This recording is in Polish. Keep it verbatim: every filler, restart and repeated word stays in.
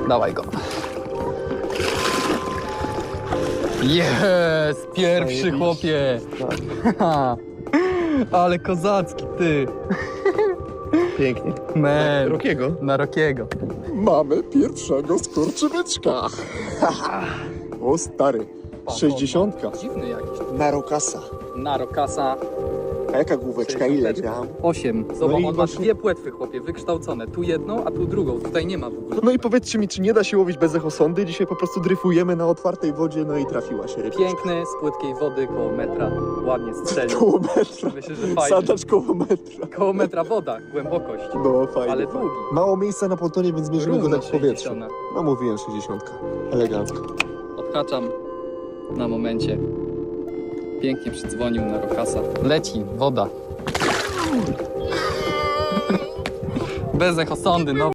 Dawaj go. Jest! Pierwszy chłopie! Ale kozacki, ty! Pięknie. Man. Rokiego. Na Rokiego. Mamy pierwszego skurczybyczka. O stary, sześćdziesiątka. Dziwny jakiś. Na Rokasa. Na Rokasa A jaka główeczka, ile gram? osiem. Zobacz, No i on ma właśnie- dwie płetwy, chłopie, wykształcone. Tu jedną, a tu drugą. Tutaj nie ma w ogóle. No i powiedzcie mi, czy nie da się łowić bez echosondy? Dzisiaj po prostu dryfujemy na otwartej wodzie, no i trafiła się rybka. Piękny, z płytkiej wody, koło metra. Ładnie strzelił. Koło metra. Myślę, że fajnie. Sadacz koło metra. Koło metra woda, głębokość. No fajnie. Ale fajnie. długi. Mało miejsca na pontonie, więc mierzymy go Równo tak w powietrzu. sześćdziesiąt. No mówiłem sześćdziesiątka. Elegancko. Odhaczam na momencie. Pięknie przydzwonił na Rokasa. Leci, woda. Bez echosondy, no.